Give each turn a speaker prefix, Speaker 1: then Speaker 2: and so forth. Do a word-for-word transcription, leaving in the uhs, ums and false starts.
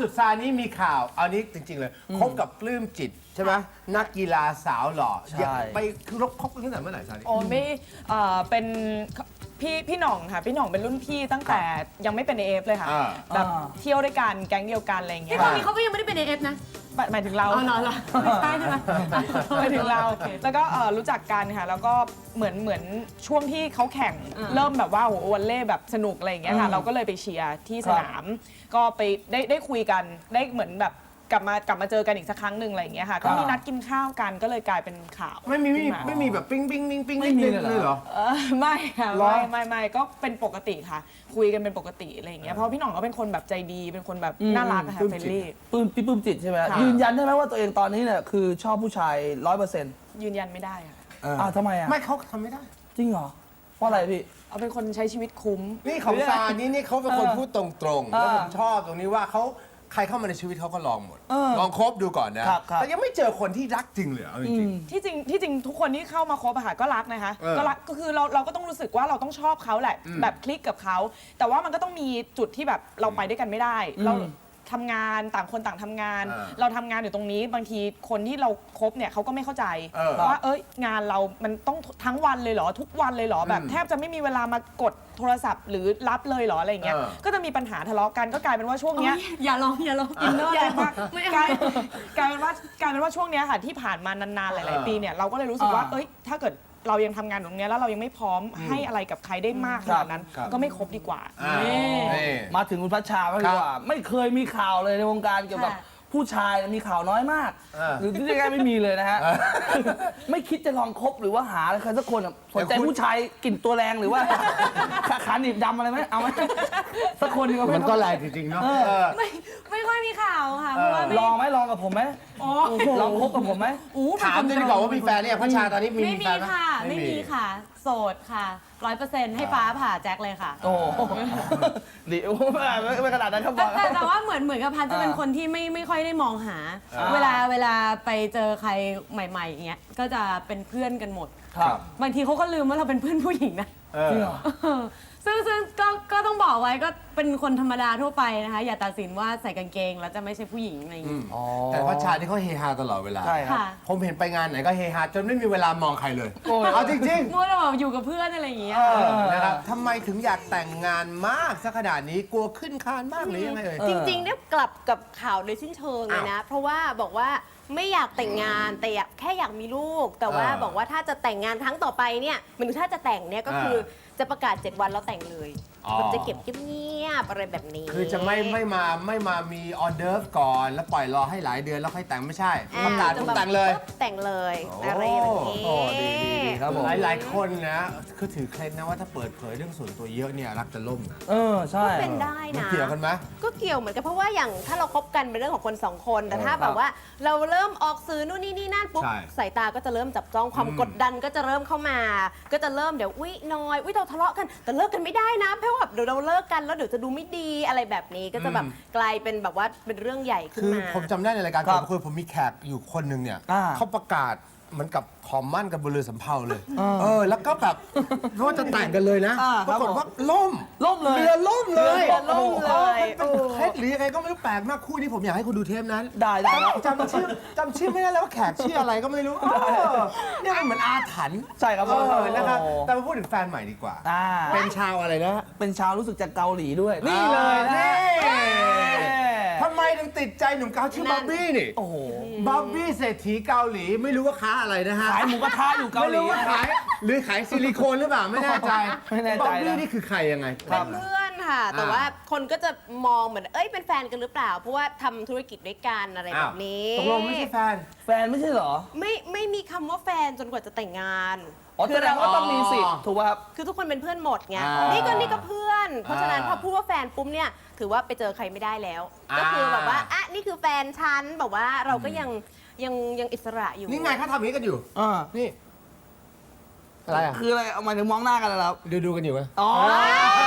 Speaker 1: สุดซานี้มีข่าวเอานี้จริงๆเลยคบกับปลื้มจิตใช่ไหมนักกีฬาสาวหล่อไปคือคบกันตั้งแต่เมื่อไหร่ซานี้
Speaker 2: โอ้ไม่เอ่อเป็นพี่พี่หน่องค่ะพี่หน่องเป็นรุ่นพี่ตั้งแต่ยังไม่เป็นเอฟเลยค่ะแบบเที่ยวด้วยกันแก๊งเดียวกันอะไรอย่างเงี้
Speaker 3: ที่
Speaker 2: ย
Speaker 3: ตอนนี้เขาก็ยังไม่ได้เป็นเอฟนะ
Speaker 2: หมายถึงเรา
Speaker 3: อ๋อเหรอเหรอไม่ใช่ใช่ไหม
Speaker 2: หมายถึงเราแล้วก็เอ่อรู้จักกันค่ะแล้วก็เหมือนเหมือนช่วงที่เขาแข่ง
Speaker 3: อ่า
Speaker 2: เริ่มแบบว่าโอ้โหวอลเล่แบบสนุกอะไรอย่างเงี้ยค่ะเราก็เลยไปเชียร์ที่สนาม ก็ไปได้ได้คุยกันได้เหมือนแบบกลับมากลับมาเจอกันอีกสักครั้งหนึ่งอะไรอย่างเงี้ยค่ะก็มีนัดกินข้าวกันก็เลยกลายเป็นข่าว
Speaker 1: ไม่มีไม่มี
Speaker 2: ขึ้น
Speaker 1: ไม่มีแบบปิ้งปิ้งปิ้งปิ้ง
Speaker 4: ไม่มีเลยเหรอ
Speaker 1: เหรอ
Speaker 2: เออไม่ค่ะ
Speaker 1: เหรอ
Speaker 2: ไม่ไม่ไม่ก็เป็นปกติค่ะ คุยกันเป็นปกติอะไรอย่างเงี้ยเพราะพี่หน่องก็เป็นคนแบบใจดีเป็นคนแบบน่ารักอะค่ะเฟรนลี่
Speaker 4: ปลื้มพี่ปลื้มจิตใช่ไหม
Speaker 2: ค่ะ
Speaker 4: ยืนยันได้ไหมว่าตัวเองตอนนี้เนี่ยคือชอบผู้ชายร้อยเปอร์เซ็นต์
Speaker 2: ยืนยันไม่ได้ค่ะ
Speaker 4: อ้าวทำไมอ่ะ
Speaker 1: ไม่เขาทำไม่ได้
Speaker 4: จริงเหรอเพราะอะไรพี่
Speaker 2: เอาเป็นคนใช้ชีวิตคุ้ม
Speaker 1: นี่ของซานี่นี่เขาเป็นคน
Speaker 4: เออ
Speaker 1: พูดตรงๆ
Speaker 4: เออ
Speaker 1: แล้วผมชอบตรงนี้ว่าเขาใครเข้ามาในชีวิตเขาก็ลองหมด
Speaker 4: เออ
Speaker 1: ลองคบดูก่อนนะครับ
Speaker 4: ครับ
Speaker 1: แต่ยังไม่เจอคนที่รักจริงเลยเอาจริง
Speaker 2: ที่จริงที่จริงทุกคนที่เข้ามาคบอะค่ะก็รักนะคะ
Speaker 1: เออ
Speaker 2: ก็รักก็คือเราเราก็ต้องรู้สึกว่าเราต้องชอบเขาแหละ
Speaker 1: อืม
Speaker 2: แบบคลิกกับเขาแต่ว่ามันก็ต้องมีจุดที่แบบเราไปด้วยกันไม่ได้ เราทำงานต่างคนต่างทำงาน
Speaker 1: เออ
Speaker 2: เราทำงานอยู่ตรงนี้บางทีคนที่เราคบเนี่ยเขาก็ไม่เข้าใจ
Speaker 1: เออ
Speaker 2: ว่าเอ้ยงานเรามันต้องทั้งวันเลยเหรอทุกวันเลยเหรอแบบ
Speaker 1: อืม
Speaker 2: แทบจะไม่มีเวลามากดโทรศัพท์หรือรับเลยเหรออะไรอย่างเงี้ย
Speaker 1: เออ
Speaker 2: ก็จะมีปัญหาทะเลาะกันก็กลายเป็นว่าช่วงเนี้ย
Speaker 3: อย่าลองอย่าลองอินเนอร์
Speaker 2: ใหญ่
Speaker 3: เลย
Speaker 2: มาก
Speaker 3: ไม่
Speaker 2: ก
Speaker 3: เอา
Speaker 2: ลายกลายเป็นว่ากลายเป็นว่าช่วงเนี้ยค่ะที่ผ่านมานานๆหลาย ๆ ปีเนี่ยเราก็เลยรู้สึกว่า
Speaker 4: อ่า
Speaker 2: เอ้ยถ้าเกิดเรายังทำงานตรงเนี้ยแล้วเรายังไม่พร้อมให้อะไรกับใครได้มากขนาดนั้น
Speaker 1: ครับ
Speaker 2: ก็ไม่คบดีกว่า
Speaker 1: อ่า
Speaker 2: นี่
Speaker 1: นี่
Speaker 4: มาถึงคุณพัชชาบ้างดีกว่า ไม่เคยมีข่าวเลยในวงการเกี่ยวกับ
Speaker 3: ค่ะ
Speaker 4: ผู้ชายมีข่าวน้อยมาก
Speaker 1: เออ
Speaker 4: หรือที่เรียกง่ายๆไม่มีเลยนะฮะ ไม่คิดจะลองคบหรือว่าหาใครสักคนอะสนใจ
Speaker 1: แต่คุณ
Speaker 4: ผู้ชายกลิ่นตัวแรงหรือว่า ขาขาหนีบดำอะไรไหมเอาไหมสักคนหนึงเอาไห
Speaker 1: มันก็แรงจริงๆเนาะเออ
Speaker 3: ไม่ไม่ค่อยมีข่าวค่ะเพราะว่าไม่
Speaker 4: ลองไหมลองกับผมไหมลองคบกับผมไหม
Speaker 3: อู้เป็น
Speaker 1: ถาม
Speaker 3: คน
Speaker 1: เลยดีกว่าว่ามีแฟนเนี่ยพัชชาตอนนี้มี
Speaker 3: ไม่มี
Speaker 1: แฟนไห
Speaker 3: ค่ะ ไม่มีค่ะ โสดค่ะร้อยเปอร์เซ็นต์ให้ฟ้าผ่าแจ็คเลยค่ะ
Speaker 4: โอ้โหดีโอ้ไม่ไม่ไม่ขนาดนั้นครับบ
Speaker 3: แต่
Speaker 4: อก
Speaker 3: แต่แต่ว่าเหมือนเหมือนกับพันจะเป็นคนที่ไม่ไม่ค่อยได้มองหา เวลาเวลาไปเจอใครใหม่ๆอย่างเงี้ยก็จะเป็นเพื่อนกันหมด
Speaker 4: ครับ
Speaker 3: บางทีเขาก็ลืมว่าเราเป็นเพื่อนผู้หญิงนะ
Speaker 1: เออ
Speaker 4: จริงเหรอ
Speaker 3: ซึ่งซึ่งก็ก็ต้องบอกไว้ก็เป็นคนธรรมดาทั่วไปนะคะ อย่าตัดสินว่าใส่กางเกงแล้วจะไม่ใช่ผู้หญิงอะไรอย่าง
Speaker 1: อื
Speaker 3: งี้
Speaker 1: ม
Speaker 4: อ๋อ
Speaker 1: แต่พัชชาที่เขาเฮฮาตลอดเวลา
Speaker 4: ใช่ครับ
Speaker 3: ค่ะ
Speaker 1: ผมเห็นไปงานไหนก็เฮฮาจนไม่มีเวลามองใครเลย
Speaker 4: โอ้ย
Speaker 1: เอาจริง
Speaker 3: มัวแต่แบบอยู่กับเพื่อนอะไรอย่างเงี้ย
Speaker 1: ๆเออนะครับทำไมถึงอยากแต่งงานมากสักขนาดนี้กลัวขึ้นคานมากหรือยังไงเอ่ย
Speaker 5: จริงๆเนี่ยกลับกับข่าวโดยสิ้นเชิงเลยนะ เพราะว่าบอกว่าไม่อยากแต่งงานแต่อยากแค่อยากมีลูก แต่ว่า
Speaker 1: อ่า
Speaker 5: บอกว่าถ้าจะแต่งงานครั้งต่อไปเนี่ยหมันถ้าจะแต่งเนี่ยก็คือจะประกาศเจ็ดวันแล้วแต่งเลย
Speaker 1: อ๋อ
Speaker 5: แบบจะเก็บเงียบๆอะไรแบบนี้
Speaker 1: คือจะไม่ไม่มาไม่มามีออเดิร์ฟก่อน แล้วปล่อยรอให้หลายเดือนแล้วค่อยแต่งไม่ใช่
Speaker 5: อ่
Speaker 1: ประกาศปุ๊บแต่งเลย
Speaker 5: ปุ๊บแต่งเลย
Speaker 1: โอ้
Speaker 5: อะไรแบบนี้
Speaker 4: โอ้ดีดีดีครับผม
Speaker 1: หลายหลายๆคนนะคือถือเคล็ดนะว่าถ้าเปิดเผยเรื่องส่วนตัวเยอะเนี่ยรักจะล่มนะ
Speaker 4: เออใช่
Speaker 5: ก็เป็นได้
Speaker 1: มัน
Speaker 5: นะ
Speaker 1: เกี่ยวกันไหม
Speaker 5: ก็เกี่ยวเหมือนกันเพราะว่าอย่างถ้าเราคบกันเป็นเรื่องของคนสองคน แต่ถ้า
Speaker 4: เออ
Speaker 5: แบบว่าเราเริ่มออกสื่อนู่นนี่นี่นั่นปุ๊บ
Speaker 1: ใช่
Speaker 5: สายตาก็จะเริ่มจับจ้องความ
Speaker 1: อืม
Speaker 5: กดดันก็จะเริ่มเข้ามา ก็จะเริ่มเดี๋ยวอุ้ยน้อยอุ้ยเราทะเลาะกันแต่เลิกกันไม่ได้นะเพราะว่าแบบเดี๋ยวเราเลิกกันแล้วเดี๋ยวจะดูไม่ดีอะไรแบบนี้ก็จะแบบกลายเป็นแบบว่าเป็นเรื่องใหญ่ขึ้น
Speaker 1: คือ
Speaker 5: มา
Speaker 1: ผมจำได้ในรายการ
Speaker 4: ครั
Speaker 1: ก่
Speaker 4: บ
Speaker 1: อนคุยผมมีแขกอยู่คนหนึ่งเนี่ย
Speaker 4: อ่า
Speaker 1: เขาประกาศเหมือนกับขอมั่นกันบนเรือสำเภาเลย เออ แล้วก็แบบว่าจะแต่งกันเลยนะ
Speaker 4: อ่า
Speaker 1: ป
Speaker 4: ครั
Speaker 1: รา
Speaker 4: บ
Speaker 1: กฏว่าล่ม
Speaker 4: ล่มเลย
Speaker 1: เรือล่มเลย
Speaker 5: เรือล่มเลย
Speaker 1: โอ้โหมันเป็นเคล็ดหรือยังไงก็ไม่รู้แปลกมากคู่นี้ผมอยากให้คุณดูเทปนั้น
Speaker 4: ได้ได้ครับ
Speaker 1: จำชื่อจำชื่อไม่ได้แล้วว่าแขกชื่ออะไรก็ไม่รู้เออเนี่ยมันเหมือนอาถรรพ์
Speaker 4: ใช่ครับ
Speaker 1: เออนะครับแต่มาพูดถึงแฟนใหม่ดีกว่า
Speaker 4: อ่า
Speaker 1: เป็นชาวอะไรนะ
Speaker 4: เป็นชาวรู้สึกจากเกาหลีด้วย นี่เลยนะ
Speaker 1: นี่
Speaker 4: เอ้ย
Speaker 1: ทำไมถึงติดใจหนุ่มเกาชื่อบ๊อบบี้นี่
Speaker 4: โอ้โห
Speaker 1: บ๊อบบี้เศรษฐีเกาหลีไม่รู้ว่าค้าอะไรนะฮะ
Speaker 4: ขายหมูกระทะอยู่เกา
Speaker 1: ไม่
Speaker 4: หลี
Speaker 1: รู้ว่าขายหรือขายซิลิโคนหรือเปล่าไม่แน่ใจ
Speaker 4: ไม่แน่ใจนะ
Speaker 1: บ๊อบบี้นี่คือใครยังไง
Speaker 5: เป็นเพื่อนค่ะ แต่
Speaker 1: อ่า
Speaker 5: ว่าคนก็จะมองเหมือนเอ้ยเป็นแฟนกันหรือเปล่า เพราะว่าทำธุรกิจด้วยกันอะไรแบบนี้
Speaker 1: ตกลงไม่ใช่แฟน
Speaker 4: แฟนไม่ใช่เหรอ
Speaker 5: ไม่ไม่มีคำว่าแฟนจนกว่าจะแต่งงาน
Speaker 4: อ๋อแสดงว่าต้องมีสิทธิ์ถูกป่ะครับ
Speaker 5: คือทุกคนเป็นเพื่อนหมดไง
Speaker 1: อ่านี่
Speaker 5: นี่ก็นี่ก็เพื่อน เพราะฉะนั้น
Speaker 1: อ่า
Speaker 5: พอพูดว่าแฟนปุ๊บเนี่ย ถือว่าไปเจอใครไม่ได้แล้ว
Speaker 1: อ่า
Speaker 5: ก็คือแบบว่า อ่ะ นี่คือแฟนฉันแบบว่าเราก็ยังยังยังอิสระอยู่
Speaker 1: นี่ไงเขาทำอย่างนี้กันอยู่
Speaker 4: อ่า
Speaker 1: นี่ อะไรอ่ะ
Speaker 4: คืออะไรเอาหมายถึงมองหน้ากันแล้วครับ
Speaker 1: ดูดูกันอยู่ไหม
Speaker 4: อ๋อ
Speaker 1: เ